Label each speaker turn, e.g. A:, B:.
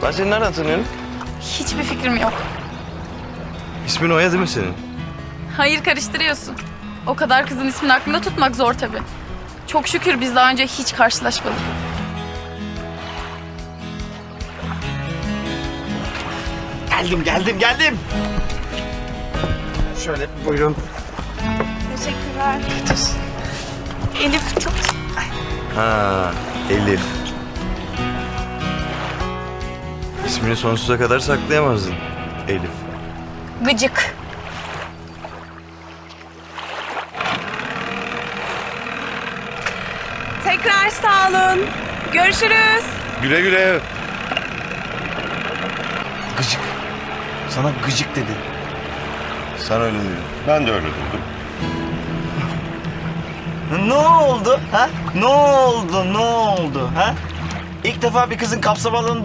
A: Ben seni nereden tanıyorum?
B: Hiçbir fikrim yok.
A: İsmin Oya değil mi senin?
B: Hayır, karıştırıyorsun. O kadar kızın ismini aklında tutmak zor tabii. Çok şükür biz daha önce hiç karşılaşmadık.
A: Geldim. Şöyle buyurun.
B: Teşekkürler. Elif tut.
A: Ha, Elif. İsmini sonsuza kadar saklayamazdın. Elif.
B: Gıcık.
C: Tekrar sağ olun. Görüşürüz.
A: Güle güle.
D: Gıcık. Sana gıcık dedi.
A: Sen öyle dedin.
E: Ben de öyle duydum.
D: Ne oldu ha? Ne oldu ha? İlk defa bir kızın kapsamalığını